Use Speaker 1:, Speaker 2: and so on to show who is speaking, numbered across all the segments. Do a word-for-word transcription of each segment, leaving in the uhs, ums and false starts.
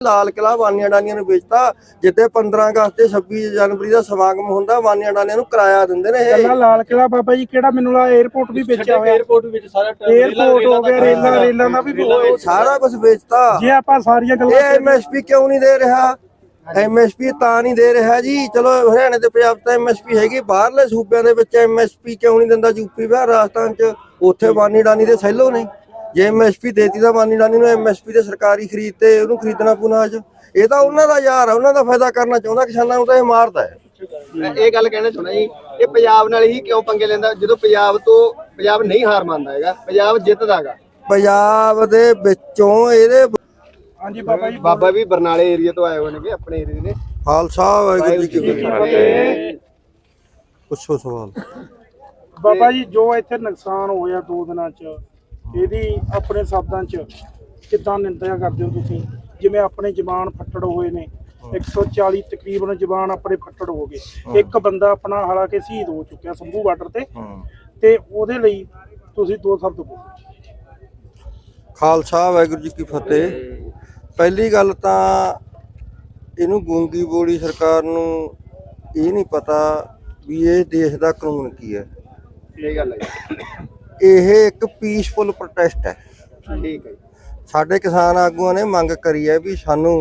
Speaker 1: ਲਾਲ ਕਿਲਾ ਵਾਨੀਆਂ ਡਾਨੀਆਂ ਨੂੰ ਵੇਚਤਾ। ਜਿੱਥੇ ਪੰਦਰਾਂ ਅਗਸਤ ਤੇ ਛੱਬੀ ਜਨਵਰੀ ਦਾ ਸਮਾਗਮ ਹੁੰਦਾ ਵਾਨੀਆਂ ਡਾਨੀਆਂ ਨੂੰ ਕਿਰਾਇਆ ਦਿੰਦੇ ਨੇ ਇਹ।
Speaker 2: ਲਾਲ ਕਿਲਾ ਬਾਬਾ ਜੀ ਕਿਹੜਾ ਮੈਨੂੰ ਲਾ 에어ਪੋਰਟ ਵੀ ਵੇਚਿਆ ਹੋਇਆ।
Speaker 3: 에어ਪੋਰਟ ਵਿੱਚ ਸਾਰਾ
Speaker 2: 에어ਪੋਰਟ ਹੋ ਗਿਆ, ਰੇਲਾਂ ਰੇਲਾਂ ਦਾ ਵੀ
Speaker 1: ਸਾਰਾ ਕੁਝ ਵੇਚਤਾ।
Speaker 2: ਜੇ ਆਪਾਂ ਸਾਰੀਆਂ ਗੱਲਾਂ
Speaker 1: ਇਹ ਐਮਐਸਪੀ ਕਿਉਂ ਨਹੀਂ ਦੇ ਰਿਹਾ? ਐਮਐਸਪੀ ਤਾਂ ਨਹੀਂ ਦੇ ਰਿਹਾ ਜੀ। ਚਲੋ ਹਰਿਆਣੇ ਤੇ ਪੰਜਾਬ ਤਾਂ ਐਮਐਸਪੀ ਹੈਗੀ, ਬਾਹਰਲੇ ਸੂਬਿਆਂ ਦੇ ਵਿੱਚ ਐਮਐਸਪੀ ਕਿਉਂ ਨਹੀਂ ਦਿੰਦਾ? ਯੂਪੀ ਬਿਹਾਰ ਰਾਜਸਥਾਨ ਚ ਉੱਥੇ ਵਾਨੀ ਡਾਨੀ ਦੇ ਸੈਲੋ ਨੇ। ਜੇ ਐਮਐਸਪੀ ਦੇਤੀ ਤਾਂ ਵਾਨੀ ਡਾਨੀ ਨੂੰ ਐਮਐਸਪੀ ਤੇ ਸਰਕਾਰੀ ਖਰੀਦ ਤੇ ਉਹਨੂੰ ਖਰੀਦਣਾ ਪੂਣਾ ਅੱਜ। ਇਹ ਤਾਂ ਉਹਨਾਂ ਦਾ ਯਾਰ ਆ, ਉਹਨਾਂ ਦਾ ਫਾਇਦਾ ਕਰਨਾ ਚਾਹੁੰਦਾ, ਕਿਸਾਨਾਂ ਨੂੰ ਤਾਂ ਇਹ ਮਾਰਦਾ ਹੈ।
Speaker 4: ਇਹ ਗੱਲ ਕਹਿਣਾ ਚਾਹੁੰਦਾ ਜੀ, ਇਹ ਪੰਜਾਬ ਨਾਲ ਹੀ ਕਿਉਂ ਪੰਗੇ ਲੈਂਦਾ ਜਦੋਂ ਪੰਜਾਬ ਤੋਂ ਪੰਜਾਬ ਨਹੀਂ ਹਾਰ ਮੰਨਦਾ ਹੈਗਾ, ਪੰਜਾਬ ਜਿੱਤਦਾ ਹੈਗਾ।
Speaker 1: ਪੰਜਾਬ ਦੇ ਵਿੱਚੋਂ ਇਹਦੇ
Speaker 2: ਹਾਂਜੀ ਬਾਬਾ ਜੀ
Speaker 4: ਬਾਬਾ ਵੀ ਬਰਨਾਲੇ ਏਰੀਆ ਤੋਂ ਆਏ ਹੋਏ ਨੇਗੇ, ਆਪਣੇ ਏਰੀਏ ਦੇ ਨੇ।
Speaker 1: ਖਾਲਸਾ ਵਾਹਿਗੁਰੂ ਜੀ ਕੀ ਫਤਿਹ। ਪੁੱਛੋ ਸਵਾਲ।
Speaker 2: ਬਾਬਾ ਜੀ ਜੋ ਇੱਥੇ ਨੁਕਸਾਨ ਹੋਇਆ ਦੋ ਦਿਨਾਂ ਚ, ਇਹਦੀ ਆਪਣੇ ਸ਼ਬਦਾਂ ਚ ਕਿੱਦਾਂ ਨਿੰਦਿਆ ਕਰਦੇ ਹੋ ਤੁਸੀਂ? ਜਿਵੇਂ ਆਪਣੇ ਜਵਾਨ ਫੱਟੜ ਹੋਏ ਨੇ, ਇੱਕ ਸੌ ਚਾਲੀ ਤਕਰੀਬਨ ਜਵਾਨ ਆਪਣੇ ਫੱਟੜ ਹੋ ਗਏ। ਇੱਕ ਬੰਦਾ ਆਪਣਾ ਹਾਲਾਂਕਿ ਸ਼ਹੀਦ ਹੋ ਚੁੱਕਿਆ ਸੰਭੂ ਬਾਰਡਰ ਤੇ, ਤੇ ਉਹਦੇ ਲਈ ਤੁਸੀਂ ਦੋ ਸ਼ਬਦ ਬੋਲੋ।
Speaker 1: ਖਾਲਸਾ ਵਾਹਿਗੁਰੂ ਜੀ ਕੀ ਫਤਿਹ। ਪਹਿਲੀ ਗੱਲ ਤਾਂ ਇਹਨੂੰ ਗੂੰਗੀ ਬੋਲੀ ਸਰਕਾਰ ਨੂੰ ਇਹ ਨਹੀਂ ਪਤਾ ਵੀ ਇਹ ਦੇਸ਼ ਦਾ ਕਾਨੂੰਨ ਕੀ ਹੈ।
Speaker 4: ਇਹ ਗੱਲ ਹੈ,
Speaker 1: ਇਹ ਇੱਕ ਪੀਸਫੁਲ ਪ੍ਰੋਟੈਸਟ ਹੈ।
Speaker 4: ਠੀਕ ਹੈ।
Speaker 1: ਸਾਡੇ ਕਿਸਾਨ ਆਗੂਆਂ ਨੇ ਮੰਗ ਕਰੀ ਹੈ ਵੀ ਸਾਨੂੰ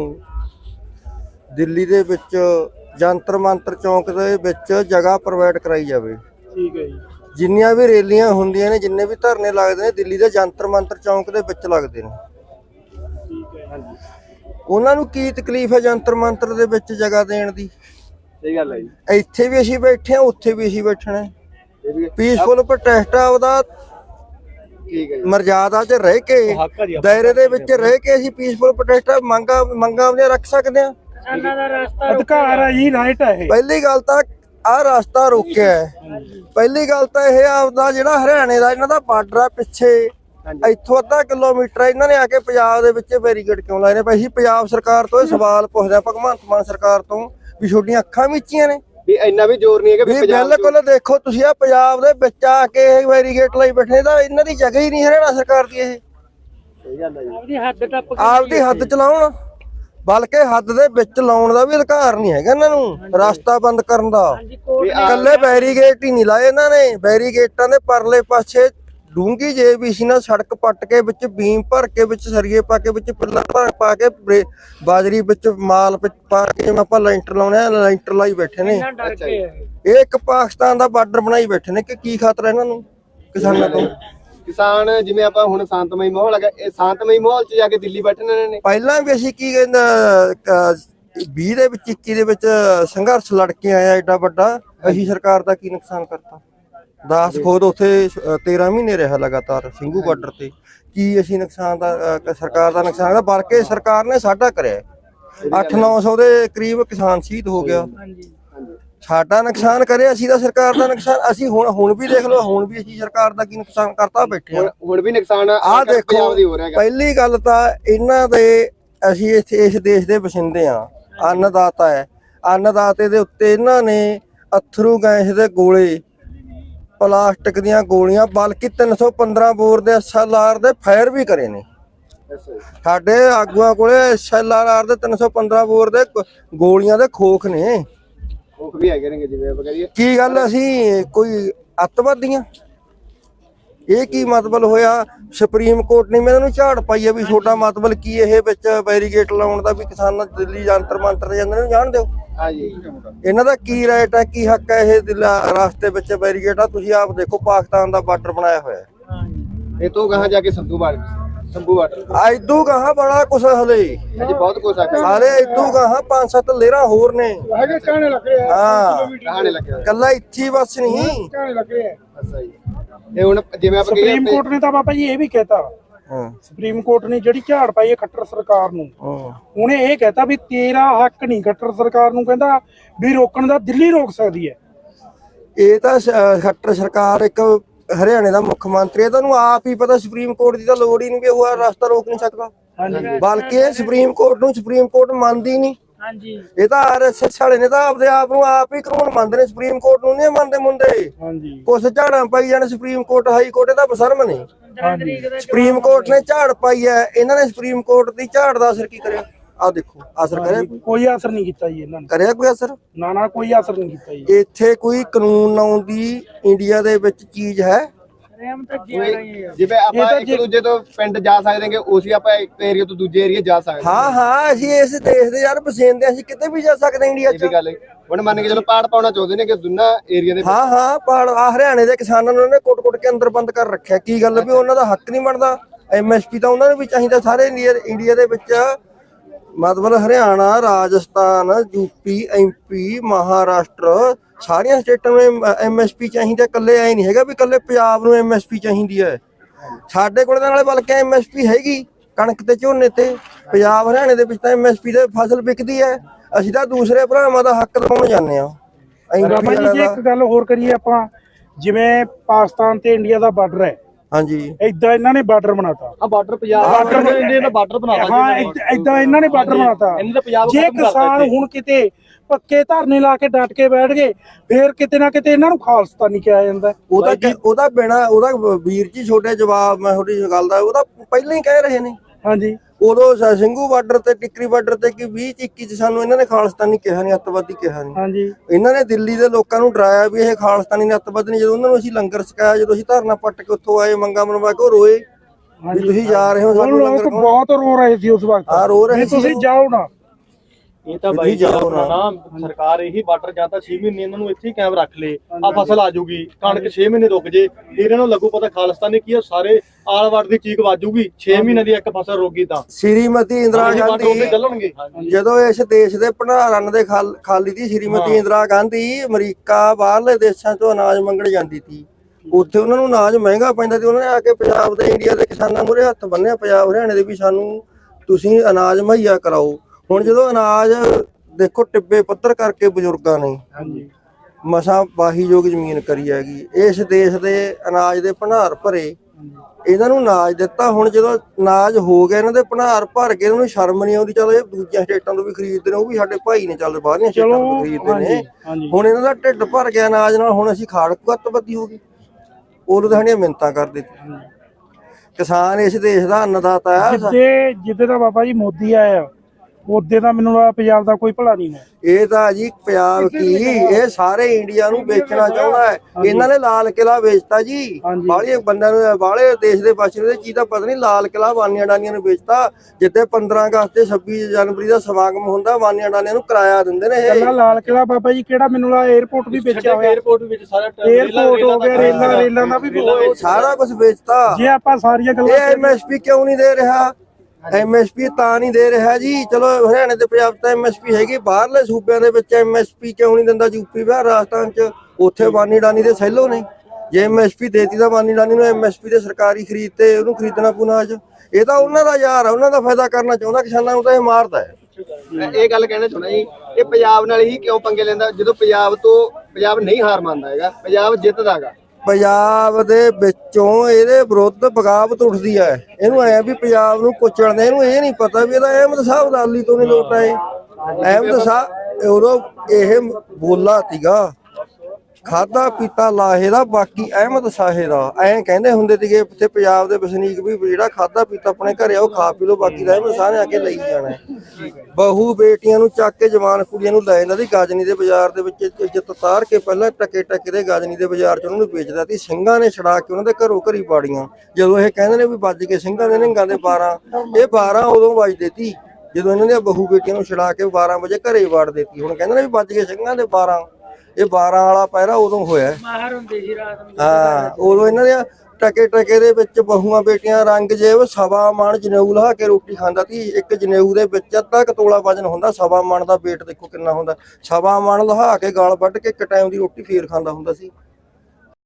Speaker 1: ਦਿੱਲੀ ਦੇ ਵਿੱਚ ਜੰਤਰ ਮੰਤਰ ਚੌਂਕ ਦੇ ਵਿੱਚ ਜਗ੍ਹਾ ਪ੍ਰੋਵਾਈਡ ਕਰਾਈ ਜਾਵੇ।
Speaker 2: ਠੀਕ ਹੈ ਜੀ।
Speaker 1: ਜਿੰਨੀਆਂ ਵੀ ਰੈਲੀਆਂ ਹੁੰਦੀਆਂ ਨੇ, ਜਿੰਨੇ ਵੀ ਧਰਨੇ ਲੱਗਦੇ ਨੇ, ਦਿੱਲੀ ਦੇ ਜੰਤਰ ਮੰਤਰ ਚੌਂਕ ਦੇ ਵਿੱਚ ਲੱਗਦੇ ਨੇ।
Speaker 2: ਠੀਕ ਹੈ ਹਾਂਜੀ।
Speaker 1: ਉਹਨਾਂ ਨੂੰ ਕੀ ਤਕਲੀਫ ਹੈ ਜੰਤਰ ਮੰਤਰ ਦੇ ਵਿੱਚ ਜਗ੍ਹਾ ਦੇਣ ਦੀ?
Speaker 4: ਸਹੀ ਗੱਲ ਹੈ ਜੀ।
Speaker 1: ਇੱਥੇ ਵੀ ਅਸੀਂ ਬੈਠੇ ਹਾਂ, ਉੱਥੇ ਵੀ ਅਸੀਂ ਬੈਠਣਾ।
Speaker 4: ਇਹ ਵੀ
Speaker 1: ਪੀਸਫੁਲ ਪ੍ਰੋਟੈਸਟ ਆ, ਉਹਦਾ
Speaker 4: ਠੀਕ ਹੈ ਜੀ।
Speaker 1: ਮਰਜ਼ਾਦਾ 'ਚ ਰਹਿ ਕੇ, ਦਾਇਰੇ ਦੇ ਵਿੱਚ ਰਹਿ ਕੇ ਅਸੀਂ ਪੀਸਫੁਲ ਪ੍ਰੋਟੈਸਟ ਮੰਗਾਂ ਮੰਗਾਂ ਆਪਣੀਆਂ ਰੱਖ ਸਕਦੇ ਹਾਂ।
Speaker 2: ਅਧਿਕਾਰ ਹੈ ਜੀ, ਰਾਈਟ ਹੈ ਇਹ।
Speaker 1: ਪਹਿਲੀ ਗੱਲ ਤਾਂ ਆਹ ਰਸਤਾ ਰੋਕਿਆ ਹੈ। ਪਹਿਲੀ ਗੱਲ ਤਾਂ ਇਹ ਆਪਦਾ ਜਿਹੜਾ ਹਰਿਆਣੇ ਦਾ ਇਹਨਾਂ ਦਾ ਬਾਰਡਰ ਆ ਪਿੱਛੇ, ਇੱਥੋਂ ਅੱਧਾ ਕਿਲੋਮੀਟਰ ਇਹਨਾਂ ਨੇ ਆ ਕੇ ਪੰਜਾਬ ਦੇ ਵਿੱਚ ਬੈਰੀਕੇਡ ਕਿਉਂ ਲਾਏ ਨੇ? ਭਾਈ ਅਸੀਂ ਪੰਜਾਬ ਸਰਕਾਰ ਤੋਂ ਇਹ ਸਵਾਲ ਪੁੱਛਦੇ ਆ, ਭਗਵੰਤ ਮਾਨ ਸਰਕਾਰ ਤੋਂ, ਵੀ ਛੋਟੀਆਂ ਅੱਖਾਂ ਮੀਚੀਆਂ ਨੇ
Speaker 4: ਵੀ ਇੰਨਾ ਵੀ ਜ਼ੋਰ ਨਹੀਂ ਹੈਗਾ
Speaker 1: ਵੀ ਬਿਲਕੁਲ। ਦੇਖੋ ਤੁਸੀਂ ਆ ਪੰਜਾਬ ਦੇ ਵਿੱਚ ਆ ਕੇ ਇਹ ਬੈਰੀਕੇਡ ਲਾਈ ਬੈਠੇ, ਤਾਂ ਇਹਨਾਂ ਦੀ ਜਗ੍ਹਾ ਹੀ ਨਹੀਂ ਹਰਿਆਣਾ ਸਰਕਾਰ ਦੀ। ਇਹ
Speaker 4: ਸਹੀ ਗੱਲ ਹੈ ਜੀ।
Speaker 2: ਆਪਦੀ ਹੱਦ ਟੱਪ
Speaker 1: ਆਪਦੀ ਹੱਦ ਚਲਾਉਣ, ਬਲਕਿ ਹੱਦ ਦੇ ਵਿੱਚ ਲਾਉਣ ਦਾ ਵੀ ਅਧਿਕਾਰ ਨਹੀਂ ਹੈਗਾ ਇਹਨਾਂ ਨੂੰ, ਰਸਤਾ ਬੰਦ ਕਰਨ ਦਾ। ਇਕੱਲੇ ਬੈਰੀਗੇਟ ਹੀ ਨਹੀਂ ਲਾਏ ਇਹਨਾਂ ਨੇ, ਬੈਰੀਗੇਟਾਂ ਦੇ ਪਰਲੇ ਪਾਸੇ ਡੂੰਗੀ ਜੇਬੀਸੀ ਨਾਲ ਸੜਕ ਪੱਟ ਕੇ ਵਿੱਚ ਬੀਮ ਭਰ ਕੇ, ਵਿੱਚ ਸਰੀਏ ਪਾ ਕੇ, ਵਿੱਚ ਪਿੱਲਰ ਭਰ ਪਾ ਕੇ, ਬਾਜਰੀ ਵਿੱਚ ਮਾਲ ਪਾ ਕੇ, ਜਿਵੇਂ ਆਪਾਂ ਲੈਂਟਰ ਲਾਉਣੇ ਆ, ਲੈਂਟਰ ਲਾਈ ਬੈਠੇ ਨੇ। ਇਹ ਇੱਕ ਪਾਕਿਸਤਾਨ ਦਾ ਬਾਰਡਰ ਬਣਾਈ ਬੈਠੇ ਨੇ। ਕਿ ਕੀ ਖਤਰਾ ਇਹਨਾਂ ਨੂੰ ਕਿਸਾਨਾਂ ਤੋਂ?
Speaker 4: ਕਿਸਾਨ ਜਿਵੇਂ ਆਪਾਂ ਹੁਣ ਸ਼ਾਂਤਮਈ ਮਾਹੌਲ ਹੈਗਾ, ਇਹ ਸ਼ਾਂਤਮਈ ਮਾਹੌਲ 'ਚ ਜਾ ਕੇ ਦਿੱਲੀ ਬੈਠਣੇ ਨੇ।
Speaker 1: ਪਹਿਲਾਂ ਵੀ ਅਸੀਂ ਕੀ ਕਹਿੰਦਾ ਵੀਹ ਦੇ ਵਿੱਚ ਇੱਕੀ ਦੇ ਵਿੱਚ ਸੰਘਰਸ਼ ਲੜ ਕੇ ਆਇਆ ਏਡਾ ਵੱਡਾ, ਅਸੀਂ ਸਰਕਾਰ ਦਾ ਕੀ ਨੁਕਸਾਨ ਕਰਤਾ? ਦਾਸ ਖੁਦ ਉੱਥੇ ਤੇਰਾਂ ਮਹੀਨੇ ਰਿਹਾ ਲਗਾਤਾਰ ਸਿੰਘੂ ਬਾਰਡਰ ਤੇ। ਕੀ ਅਸੀਂ ਨੁਕਸਾਨ ਦਾ ਸਰਕਾਰ ਦਾ ਨੁਕਸਾਨ ਦਾ? ਬਲਕਿ ਸਰਕਾਰ ਨੇ ਸਾਡਾ ਕਰਿਆ। ਅੱਠ ਨੌ ਸੌ ਦੇ ਕਰੀਬ ਕਿਸਾਨ ਸ਼ਹੀਦ ਹੋ ਗਿਆ। ਸਾਡਾ ਨੁਕਸਾਨ ਕਰਿਆ, ਅਸੀਂ ਤਾਂ ਸਰਕਾਰ ਦਾ ਨੁਕਸਾਨ। ਅਸੀਂ ਹੁਣ ਹੁਣ ਵੀ ਦੇਖ ਲਓ, ਹੁਣ ਵੀ ਅਸੀਂ ਸਰਕਾਰ ਦਾ ਕੀ ਨੁਕਸਾਨ ਕਰਤਾ ਬੈਠੇ ਆ।
Speaker 4: ਹੁਣ ਵੀ ਨੁਕਸਾਨ
Speaker 1: ਆਹ ਦੇਖੋ, ਪਹਿਲੀ ਗੱਲ ਤਾਂ ਇਹਨਾਂ ਦੇ, ਅਸੀਂ ਇੱਥੇ ਇਸ ਦੇਸ਼ ਦੇ ਵਸਿੰਦੇ ਆ, ਅੰਨਦਾਤਾ ਹੈ। ਅੰਨਦਾਤੇ ਦੇ ਉੱਤੇ ਇਹਨਾਂ ਨੇ ਅਥਰੂ ਗੈਸ ਦੇ ਗੋਲੇ, ਪਲਾਸਟਿਕ ਦੀਆਂ ਗੋਲੀਆਂ, ਬਲਕਿ ਤਿੰਨ ਸੌ ਪੰਦਰਾਂ ਬੋਰ ਦੇ ਐਸ ਐਲ ਆਰ ਦੇ ਫਾਇਰ ਵੀ ਕਰੇ ਨੇ। ਸਾਡੇ ਆਗੂਆਂ ਕੋਲੇ ਐਸ ਐਲ ਆਰ ਦੇ ਤਿੰਨ ਸੌ ਪੰਦਰਾਂ ਬੋਰ ਦੇ ਗੋਲੀਆਂ ਦੇ ਖੋਖ ਨੇ।
Speaker 4: ਖੋਖ ਵੀ ਹੈਗੇ ਨੇ ਜਿਵੇਂ ਆਪਾਂ ਕਹੀਏ।
Speaker 1: ਕੀ ਗੱਲ ਅਸੀਂ ਕੋਈ ਅੱਤਵਾਦੀਆਂ? ਇਹ ਕੀ ਮਤਲਬ ਹੋਇਆ? ਸੁਪਰੀਮ ਕੋਰਟ ਨੇ ਮੈਨੂੰ ਝਾੜ ਪਾਈ ਆ ਵੀ ਛੋਟਾ ਮਤਲਬ ਕੀ ਇਹ ਵਿੱਚ ਬੈਰੀਗੇਟ ਲਾਉਣ ਦਾ, ਵੀ ਕਿਸਾਨਾਂ ਦਿੱਲੀ ਜੰਤਰ ਮੰਤਰ ਤੇ ਜਾਂਦੇ ਨੇ, ਜਾਣ ਦਿਓ। ਇਹਨਾਂ ਦਾ ਕੀ ਰਾਈਟ ਹੈ, ਕੀ ਹੱਕ ਹੈ ਇਹ ਰਸਤੇ ਵਿੱਚ ਬੈਰੀਗੇਟ ਆ? ਤੁਸੀਂ ਆਪ ਦੇਖੋ, ਪਾਕਿਸਤਾਨ ਦਾ ਬਾਰਡਰ ਬਣਾਇਆ ਹੋਇਆ।
Speaker 4: ਇਹ ਤੋਂ ਗਾਹਾਂ ਜਾ ਕੇ ਸੰਧੂ ਬਾਰਡਰ, ਸੰਭੂ ਬਾਰਡਰ
Speaker 1: ਇਦੋਂ ਗਾਹਾਂ ਬੜਾ ਕੁਛ ਹਲੇ,
Speaker 4: ਅਜੇ ਬਹੁਤ ਕੁਛ ਆ।
Speaker 1: ਹਾਲੇ ਇਦੋਂ ਗਾਹਾਂ ਪੰਜ ਸੱਤ ਲੇਰਾਂ ਹੋਰ ਨੇ।
Speaker 2: ਹੈਗੇ ਕਹਾਣੇ ਲੱਗ ਰਹੇ ਆ।
Speaker 1: ਹਾਂ,
Speaker 4: ਕਹਾਣੇ ਲੱਗੇ
Speaker 1: ਕੱਲਾ ਇੱਥੇ ਬਸ ਨਹੀਂ,
Speaker 2: ਕਹਾਣੇ ਲੱਗ ਰਹੇ ਆ।
Speaker 4: ਅੱਛਾ ਜੀ। ਇਹ ਹੁਣ ਜਿਵੇਂ ਆਪਾਂ ਕਹੀਏ,
Speaker 2: ਸੁਪਰੀਮ ਕੋਰਟ ਨੇ ਤਾਂ ਬਾਬਾ ਜੀ ਇਹ ਵੀ ਕਹਿਤਾ, ਸੁਪਰੀਮ ਕੋਰਟ ਨੇ ਜਿਹੜੀ ਝਾੜ ਪਾਈ ਹੈ ਖੱਟਰ ਸਰਕਾਰ ਨੂੰ, ਉਹਨੇ ਇਹ ਕਹਿਤਾ ਵੀ ਤੇਰਾ ਹੱਕ ਨਹੀਂ ਖੱਟਰ ਸਰਕਾਰ ਨੂੰ, ਕਹਿੰਦਾ ਵੀ ਰੋਕਣ ਦਾ, ਦਿੱਲੀ ਰੋਕ ਸਕਦੀ ਹੈ।
Speaker 1: ਇਹ ਤਾਂ ਖੱਟਰ ਸਰਕਾਰ ਇੱਕ ਹਰਿਆਣੇ ਦਾ ਮੁੱਖ ਮੰਤਰੀ ਹੈ, ਤੁਹਾਨੂੰ ਆਪ ਹੀ ਪਤਾ। ਸੁਪਰੀਮ ਕੋਰਟ ਦੀ ਤਾਂ ਲੋੜ ਹੀ ਨਹੀਂ ਵੀ ਉਹ ਰਸਤਾ ਰੋਕ ਨਹੀਂ ਸਕਦਾ। ਬਲਕਿ ਇਹ ਸੁਪਰੀਮ ਕੋਰਟ ਨੂੰ ਸੁਪਰੀਮ ਕੋਰਟ ਮੰਨਦੀ ਨਹੀਂ। ਇਹ ਤਾਂ ਆਰ ਐਸ ਐਸ ਵਾਲੇ ਨੇ ਤਾਂ ਆਪਦੇ ਆਪ ਨੂੰ ਆਪ ਹੀ ਕਾਨੂੰਨ ਮੰਨਦੇ ਨੇ, ਸੁਪਰੀਮ ਕੋਰਟ ਨੂੰ ਨਹੀਂ ਮੰਨਦੇ ਮੁੰਡੇ। ਕੁਛ ਝਾੜਾਂ ਪਾਈ ਜਾਣ ਸੁਪਰੀਮ ਕੋਰਟ, ਹਾਈ ਕੋਰਟ ਦਾ ਬਸਰਮ ਨਹੀਂ। ਸੁਪਰੀਮ ਕੋਰਟ ਨੇ ਝਾੜ ਪਾਈ ਹੈ, ਇਹਨਾਂ ਨੇ ਸੁਪਰੀਮ ਕੋਰਟ ਦੀ ਝਾੜ ਦਾ ਅਸਰ ਕੀ ਕਰਿਆ? ਆ ਦੇਖੋ ਅਸਰ ਕਰਿਆ ਕੋਈ?
Speaker 2: ਕੋਈ ਅਸਰ ਨਹੀਂ ਕੀਤਾ ਜੀ ਇਹਨਾਂ ਨੇ,
Speaker 1: ਕਰਿਆ ਕੋਈ ਅਸਰ?
Speaker 2: ਨਾ ਨਾ ਕੋਈ ਅਸਰ ਨਹੀਂ ਕੀਤਾ ਜੀ।
Speaker 1: ਇੱਥੇ ਕੋਈ ਕਾਨੂੰਨ ਲਾਉਣ ਦੀ ਇੰਡੀਆ ਦੇ ਵਿੱਚ ਚੀਜ਼ ਹੈ?
Speaker 4: ਜਿਵੇਂ ਆਪਾਂ ਇੱਕ ਦੂਜੇ ਤੋਂ ਪਿੰਡ ਜਾ ਸਕਦੇ ਹਾਂ, ਉਸੇ ਆਪਾਂ ਇੱਕ ਏਰੀਆ ਤੋਂ ਦੂਜੇ ਏਰੀਆ ਜਾ ਸਕਦੇ
Speaker 1: ਹਾਂ ਹਾਂ ਅਸੀਂ ਇਸ ਦੇਸ਼ ਦੇ ਯਾਰ ਵਸਿੰਦੇ ਹਾਂ, ਅਸੀਂ ਕਿਤੇ ਵੀ ਜਾ ਸਕਦੇ ਹਾਂ ਇੰਡੀਆ
Speaker 4: ਇਹ
Speaker 1: 'ਚ।
Speaker 4: ਵੀ ਗੱਲ ਹੈ। ਹੁਣ ਮੰਨ ਕੇ ਚਲੋ ਪਾੜ ਪਾਉਣਾ ਚਾਹੁੰਦੇ ਨੇ ਕਿ ਦੋਨਾਂ ਏਰੀਆ ਦੇ
Speaker 1: ਹਾਂ ਹਾਂ ਪਹਾੜ ਆ ਹਰਿਆਣੇ ਦੇ ਕਿਸਾਨਾਂ ਨੂੰ ਉਹਨੇ ਕੁੱਟ-ਕੁੱਟ ਕੇ ਅੰਦਰ ਬੰਦ ਕਰ ਰੱਖਿਆ। ਕੀ ਗੱਲ ਵੀ ਉਹਨਾਂ ਦਾ ਹੱਕ ਨਹੀਂ ਬਣਦਾ? ਐਮਐਸਪੀ ਤਾਂ ਉਹਨਾਂ ਨੂੰ ਵੀ ਚਾਹੀਦਾ ਸਾਰੇ ਇੰਡੀਆ ਇੰਡੀਆ ਦੇ ਵਿੱਚ। ਮਤਲਬ ਹਰਿਆਣਾ, ਰਾਜਸਥਾਨ, ਯੂਪੀ, ਐਮਪੀ, ਮਹਾਰਾਸ਼ਟਰ ਸਾਰੀਆਂ ਸਟੇਟਾਂ ਨੂੰ ਐਮਐਸਪੀ ਚਾਹੀਦਾ। ਇਕੱਲੇ ਐ ਨਹੀਂ ਹੈਗਾ ਵੀ ਇਕੱਲੇ ਪੰਜਾਬ ਨੂੰ ਐਮਐਸਪੀ ਚਾਹੀਦੀ ਹੈ। ਸਾਡੇ ਕੋਲ ਤਾਂ ਨਾਲੇ ਬਲਕਿ ਐਮਐਸਪੀ ਹੈਗੀ ਕਣਕ ਤੇ ਝੋਨੇ ਤੇ। ਪੰਜਾਬ ਹਰਿਆਣੇ ਦੇ ਵਿੱਚ ਤਾਂ ਐਮਐਸਪੀ ਤੇ ਫਸਲ ਵਿਕਦੀ ਹੈ। ਅਸੀਂ ਤਾਂ ਦੂਸਰੇ ਭਰਾਵਾਂ ਦਾ ਹੱਕ ਦਿਵਾਉਣ ਜਾਂਦੇ ਹਾਂ।
Speaker 2: ਬਾਬਾ ਜੀ ਜੇ ਇੱਕ ਗੱਲ ਹੋਰ ਕਰੀਏ ਆਪਾਂ, ਜਿਵੇਂ ਪਾਕਿਸਤਾਨ ਤੇ ਇੰਡੀਆ ਦਾ ਬਾਰਡਰ ਹੈ,
Speaker 1: ਹਾਂਜੀ
Speaker 2: ਏਦਾਂ ਇਹਨਾਂ ਨੇ ਬਾਰਡਰ ਬਣਾਤਾ।
Speaker 3: ਆ ਬਾਰਡਰ ਪੰਜਾਬ
Speaker 2: ਬਾਰਡਰ
Speaker 3: ਇੰਡੀਆ ਦਾ ਬਾਰਡਰ ਬਣਾਤਾ।
Speaker 2: ਹਾਂ ਏਦਾਂ ਇਹਨਾਂ ਨੇ ਬਾਰਡਰ ਬਣਾਤਾ। ਜੇ ਕਿਸਾਨ ਹੁਣ ਕਿਤੇ ਪੱਕੇ ਧਰਨੇ ਲਾ ਕੇ ਡਟ ਕੇ ਬੈਠ ਗਏ, ਫੇਰ ਕਿਤੇ ਨਾ ਕਿਤੇ ਇਹਨਾਂ ਨੂੰ ਖਾਲਸਤਾਨੀ ਕਿਹਾ ਜਾਂਦਾ।
Speaker 1: ਉਹਦਾ ਉਹਦਾ ਬਿਨਾ ਉਹਦਾ ਵੀਰ ਜੀ ਛੋਟੇ ਜਵਾਬ ਮੈਂ ਤੁਹਾਡੀ ਗੱਲ ਦਾ ਉਹਦਾ ਪਹਿਲਾਂ ਹੀ ਕਹਿ ਰਹੇ ਨੇ।
Speaker 2: ਹਾਂਜੀ
Speaker 1: ਉਦੋਂ ਸਿੰਘੂ ਬਾਰਡਰ ਤੇ ਟਿੱਕਰੀ ਬਾਰਡਰ ਤੇ ਕਿ ਵੀਹ ਚ ਇੱਕੀ ਚ ਸਾਨੂੰ ਇਹਨਾਂ ਨੇ ਖਾਲਸਤਾਨੀ ਕਿਹਾ ਨਹੀਂ, ਅੱਤਵਾਦੀ ਕਿਹਾ ਨਹੀਂ।
Speaker 2: ਹਾਂਜੀ
Speaker 1: ਇਹਨਾਂ ਨੇ ਦਿੱਲੀ ਦੇ ਲੋਕਾਂ ਨੂੰ ਡਰਾਇਆ ਵੀ ਇਹ ਖਾਲਸਤਾਨੀ ਨੇ ਅੱਤਵਾਦੀ ਨਹੀਂ। ਜਦੋਂ ਉਹਨਾਂ ਨੂੰ ਅਸੀਂ ਲੰਗਰ ਛਕਾਇਆ, ਜਦੋਂ ਅਸੀਂ ਧਰਨਾ ਪੱਟ ਕੇ ਉੱਥੋਂ ਆਏ ਮੰਗਾ ਮਨਵਾ ਕੇ ਉਹ ਰੋਏ ਵੀ ਤੁਸੀਂ ਜਾ ਰਹੇ ਹੋ ਸਾਨੂੰ
Speaker 2: ਲੋਕ
Speaker 1: ਲੰਗਰ।
Speaker 2: ਬਹੁਤ ਰੋ ਰਹੇ ਸੀ ਉਸ ਵਕਤ।
Speaker 1: ਹਾਂ ਰੋ ਰਹੇ ਸੀ।
Speaker 2: ਤੁਸੀਂ ਜਾਓ ਨਾ।
Speaker 3: ਇਹ ਤਾਂ ਬਾਈ ਜੀ ਆਪਣਾ ਨਾ ਸਰਕਾਰ ਇਹੀ ਬਾਰਡਰ ਜਾਂ ਤਾਂ ਛੇ ਮਹੀਨੇ ਇਹਨਾਂ ਨੂੰ ਇੱਥੇ ਹੀ ਕਾਇਮ ਰੱਖ ਲੇ, ਆ ਫਸਲ ਆ ਜਾਊਗੀ, ਕਣਕ ਛੇ ਮਹੀਨੇ ਰੁਕ ਜੇ, ਫਿਰ ਇਹਨਾਂ ਨੂੰ ਲੱਗੂ ਪਤਾ ਖਾਲਿਸਤਾਨੀ ਕੀ ਆ, ਸਾਰੇ ਆਲ-ਵੜ ਦੀ ਚੀਕ ਵੱਜੂਗੀ। ਛੇ ਮਹੀਨੇ ਦੀ ਇੱਕ ਫਸਲ ਰੋਗੀ ਤਾਂ
Speaker 1: ਸ਼੍ਰੀਮਤੀ ਇੰਦਰਾ ਗਾਂਧੀ
Speaker 3: ਚੱਲਣਗੇ।
Speaker 1: ਜਦੋਂ ਇਸ ਦੇਸ਼ ਦੇ ਭੰਡਾਰਨ ਦੇ ਖਾਲੀ ਦੀ ਸ਼੍ਰੀਮਤੀ ਇੰਦਰਾ ਗਾਂਧੀ ਅਮਰੀਕਾ ਬਾਹਰਲੇ ਦੇਸ਼ਾਂ ਤੋਂ ਅਨਾਜ ਮੰਗਣ ਜਾਂਦੀ ਸੀ। ਉੱਥੇ ਉਹਨਾਂ ਨੂੰ ਅਨਾਜ ਮਹਿੰਗਾ ਪੈਂਦਾ ਸੀ। ਉਹਨਾਂ ਨੇ ਆ ਕੇ ਪੰਜਾਬ ਦੇ ਇੰਡੀਆ ਦੇ ਕਿਸਾਨਾਂ ਮੂਹਰੇ ਹੱਥ ਬੰਨਿਆ, ਪੰਜਾਬ ਹਰਿਆਣੇ ਦੇ ਵੀ ਸਾਨੂੰ ਤੁਸੀਂ ਅਨਾਜ ਮੁਹੱਈਆ ਕਰਾਓ। ਹੁਣ ਜਦੋਂ ਅਨਾਜ ਦੇਖੋ ਟਿੱਬੇ ਪੱਧਰ ਕਰਕੇ ਬਜ਼ੁਰਗਾਂ ਨੇ ਮਸਾਂ ਵਾਹੀਯੋਗ ਜ਼ਮੀਨ ਕਰੀ ਹੈਗੀ, ਇਸ ਦੇਸ਼ ਦੇ ਅਨਾਜ ਦੇ ਭੰਡਾਰ ਭਰੇ, ਇਹਨਾਂ ਨੂੰ ਅਨਾਜ ਦਿੱਤਾ। ਹੁਣ ਜਦੋਂ ਅਨਾਜ ਹੋ ਗਿਆ, ਇਹਨਾਂ ਦੇ ਭੰਡਾਰ ਭਰ ਕੇ, ਇਹਨਾਂ ਨੂੰ ਸ਼ਰਮ ਨਹੀਂ ਆਉਂਦੀ। ਚਲੋ ਇਹ ਦੂਜੀਆਂ ਸਟੇਟਾਂ ਤੋਂ ਵੀ ਖਰੀਦਦੇ ਨੇ, ਉਹ ਵੀ ਸਾਡੇ ਭਾਈ ਨੇ, ਚੱਲ ਬਾਹਰਲੀਆਂ ਸਟੇਟਾਂ ਤੋਂ ਖਰੀਦਦੇ ਨੇ। ਹੁਣ ਇਹਨਾਂ ਦਾ ਢਿੱਡ ਭਰ ਗਿਆ ਅਨਾਜ ਨਾਲ, ਹੁਣ ਅਸੀਂ ਖਾੜਕੂ ਅੱਤਵਾਦੀ ਹੋ ਗਏ। ਉਦੋਂ ਤਾਂ ਸਾਡੀਆਂ ਮਿੰਨਤਾਂ ਕਰਦੇ ਕਿਸਾਨ ਇਸ ਦੇਸ਼ ਦਾ ਅੰਨਦਾਤਾ ਹੈ।
Speaker 2: ਜਿੱਦੇ ਜਿੱਦੇ ਦਾ ਬਾਬਾ ਜੀ ਮੋਦੀ ਆਇਆ, ਉਹਦੇ ਦਾ ਮੈਨੂੰ ਲੱਗਦਾ ਪੰਜਾਬ ਦਾ ਕੋਈ ਭਲਾ ਨਹੀਂ ਹੈ।
Speaker 1: ਇਹ ਤਾਂ ਜੀ ਪੰਜਾਬ ਕੀ ਇਹ ਸਾਰੇ ਇੰਡੀਆ ਨੂੰ ਵੇਚਣਾ ਚਾਹੁੰਦਾ ਹੈ। ਇਹਨਾਂ ਨੇ ਲਾਲ ਕਿਲਾ ਵੇਚਤਾ ਜੀ। ਬਾਹਲੇ ਬੰਦਿਆਂ ਨੂੰ, ਬਾਹਲੇ ਦੇਸ਼ ਦੇ ਪਾਸੇ ਦੇ ਚੀਜ਼ ਦਾ ਪਤਾ ਨਹੀਂ। ਲਾਲ ਕਿਲਾ ਵਾਨੀਆਂ ਡਾਨੀਆਂ ਨੂੰ ਵੇਚਤਾ। ਜਿੱਥੇ ਪੰਦਰਾਂ ਅਗਸਤ ਤੇ ਛੱਬੀ ਜਨਵਰੀ ਦਾ ਸਮਾਗਮ ਹੁੰਦਾ, ਵਾਨੀਆਂ ਡਾਨੀਆਂ ਨੂੰ ਕਿਰਾਇਆ ਦਿੰਦੇ ਨੇ ਇਹ।
Speaker 2: ਕੱਲਾ ਲਾਲ ਕਿਲਾ ਬਾਬਾ ਜੀ ਕਿਹੜਾ, ਮੈਨੂੰ ਲੱਗਦਾ 에어ਪੋਰਟ ਵੀ ਵੇਚਿਆ ਹੋਇਆ।
Speaker 3: 에어ਪੋਰਟ ਵਿੱਚ ਸਾਰਾ
Speaker 2: 에어ਪੋਰਟ ਹੋ ਗਿਆ, ਰੇਲਾਂ ਰੇਲਾਂ ਦਾ ਵੀ
Speaker 1: ਸਾਰਾ ਕੁਝ ਵੇਚਤਾ।
Speaker 2: ਜੇ ਆਪਾਂ ਸਾਰੀਆਂ ਗੱਲਾਂ
Speaker 1: ਇਹ ਐਮਐਸਪੀ ਕਿਉਂ ਨਹੀਂ ਦੇ ਰਿਹਾ? ਐਮਐਸਪੀ ਤਾਂ ਨਹੀਂ ਦੇ ਰਿਹਾ ਜੀ। ਚਲੋ ਹਰਿਆਣੇ ਤੇ ਪੰਜਾਬ ਤਾਂ ਐਮਐਸਪੀ ਹੈਗੀ, ਬਾਹਰਲੇ ਸੂਬਿਆਂ ਦੇ ਵਿੱਚ ਐਮਐਸਪੀ ਕਿਉਂ ਨਹੀਂ ਦਿੰਦਾ? ਯੂਪੀ ਬਿਹਾਰ ਰਾਜਸਥਾਨ ਚ ਉੱਥੇ ਵਾਨੀ ਡਾਨੀ ਦੇ ਸੈਲੋ ਨੇ। ਜੇ ਐਮਐਸਪੀ ਦੇਤੀ ਤਾਂ ਵਾਨੀ ਡਾਨੀ ਨੂੰ ਐਮਐਸਪੀ ਦੇ ਸਰਕਾਰੀ ਖਰੀਦ ਤੇ ਉਹਨੂੰ ਖਰੀਦਣਾ ਪੂਨਾਜ। ਇਹ ਤਾਂ ਉਹਨਾਂ ਦਾ ਯਾਰ ਆ, ਉਹਨਾਂ ਦਾ ਫਾਇਦਾ ਕਰਨਾ ਚਾਹੁੰਦਾ। ਕਿਸਾਨਾਂ ਨੂੰ ਤਾਂ ਇਹ ਮਾਰਦਾ ਹੈ।
Speaker 4: ਇਹ ਗੱਲ ਕਹਿਣਾ ਚਾਹੁੰਦਾ ਜੀ, ਇਹ ਪੰਜਾਬ ਨਾਲ ਹੀ ਕਿਉਂ ਪੰਗੇ ਲੈਂਦਾ ਜਦੋਂ ਪੰਜਾਬ ਤੋਂ ਪੰਜਾਬ ਨਹੀਂ ਹਾਰ ਮੰਨਦਾ ਹੈਗਾ, ਪੰਜਾਬ ਜਿੱਤਦਾ ਹੈਗਾ।
Speaker 1: ਪੰਜਾਬ ਦੇ ਵਿੱਚੋਂ ਇਹਦੇ ਵਿਰੁੱਧ ਬਗਾਵਤ ਉੱਠਦੀ ਹੈ। ਇਹਨੂੰ ਐ ਵੀ ਪੰਜਾਬ ਨੂੰ ਕੁਚਲਦੇ, ਇਹਨੂੰ ਇਹ ਨਹੀਂ ਪਤਾ ਵੀ ਇਹਦਾ ਅਹਿਮਦ ਸ਼ਾਹ ਅਬਦਾਲੀ ਤੋਂ ਨਹੀਂ ਲੋਟ ਆਏ। ਅਹਿਮਦ ਸ਼ਾਹ ਉਦੋਂ ਇਹ ਬੋਲਾ ਸੀਗਾ, ਖਾਦਾ ਪੀਤਾ ਲਾਹੇ ਦਾ, ਬਾਕੀ ਅਹਿਮਦ ਸ਼ਾਹੇ ਦਾ। ਐਂ ਕਹਿੰਦੇ ਹੁੰਦੇ ਸੀਗੇ ਇੱਥੇ ਪੰਜਾਬ ਦੇ ਵਸਨੀਕ ਵੀ, ਜਿਹੜਾ ਖਾਦਾ ਪੀਤਾ ਆਪਣੇ ਘਰੇ ਉਹ ਖਾ ਪੀ ਲੋ, ਬਾਕੀ ਦਾ ਅਹਿਮਦ ਸ਼ਾਹ ਨੇ ਆ ਕੇ ਲਈ ਜਾਣਾ। ਬਹੂ ਬੇਟੀਆਂ ਨੂੰ ਚੱਕ ਕੇ ਜਵਾਨ ਕੁੜੀਆਂ ਨੂੰ ਲੈ ਜਾਂਦਾ ਸੀ ਗਾਜਨੀ ਦੇ ਬਾਜ਼ਾਰ ਦੇ ਵਿੱਚ, ਇੱਜ਼ਤ ਉਤਾਰ ਕੇ ਪਹਿਲਾਂ ਟਕੇ ਟਕੇ ਦੇ ਗਾਜਨੀ ਦੇ ਬਾਜ਼ਾਰ ਚ ਉਹਨਾਂ ਨੂੰ ਵੇਚਦਾ ਸੀ। ਸਿੰਘਾਂ ਨੇ ਛੜਾ ਕੇ ਉਹਨਾਂ ਦੇ ਘਰੋਂ ਘਰੀ ਬਾੜੀਆਂ। ਜਦੋਂ ਇਹ ਕਹਿੰਦੇ ਨੇ ਵੀ ਵੱਜ ਕੇ ਸਿੰਘਾਂ ਦੇ ਨਿਹੰਗਾਂ ਦੇ ਬਾਰਾਂ, ਇਹ ਬਾਰਾਂ ਉਦੋਂ ਵੱਜਦੇ ਸੀ ਜਦੋਂ ਇਹਨਾਂ ਦੀਆਂ ਬਹੂ ਬੇਟੀਆਂ ਨੂੰ ਛੜਾ ਕੇ ਬਾਰਾਂ ਵਜੇ ਘਰੇ ਵਾੜ ਦਿੱਤੀ। ਹੁਣ ਕਹਿੰਦੇ ਨੇ ਵੀ ਵੱਜ ਕੇ ਸਿੰਘਾਂ ਦੇ ਬਾਰਾਂ, ਇਹ ਬਾਰਾਂ ਵਾਲਾ ਪਹਿਰਾ ਉਦੋਂ ਹੋਇਆ। ਹਾਂ ਉਦੋਂ ਇਹਨਾਂ ਦੇ ਟਕੇ ਟਕੇ ਦੇ ਵਿੱਚ ਬਹੂਆਂ ਬੇਟੀਆਂ ਰੰਗ ਜੇਬ ਸਵਾ ਮਣ ਜਨੇਊ ਲਹਾ ਕੇ ਰੋਟੀ ਖਾਂਦਾ ਸੀ। ਇੱਕ ਜਨੇਊ ਦੇ ਵਿੱਚ ਅੱਧਾ ਕੁ ਤੋਲਾ ਵਜਨ ਹੁੰਦਾ। ਸਵਾ ਮਣ ਦਾ ਵੇਟ ਦੇਖੋ ਕਿੰਨਾ ਹੁੰਦਾ। ਸਵਾ ਮਣ ਲਹਾ ਕੇ ਗਾਲ ਵੱਢ ਕੇ ਇੱਕ ਟਾਈਮ ਦੀ ਰੋਟੀ ਫੇਰ ਖਾਂਦਾ ਹੁੰਦਾ ਸੀ।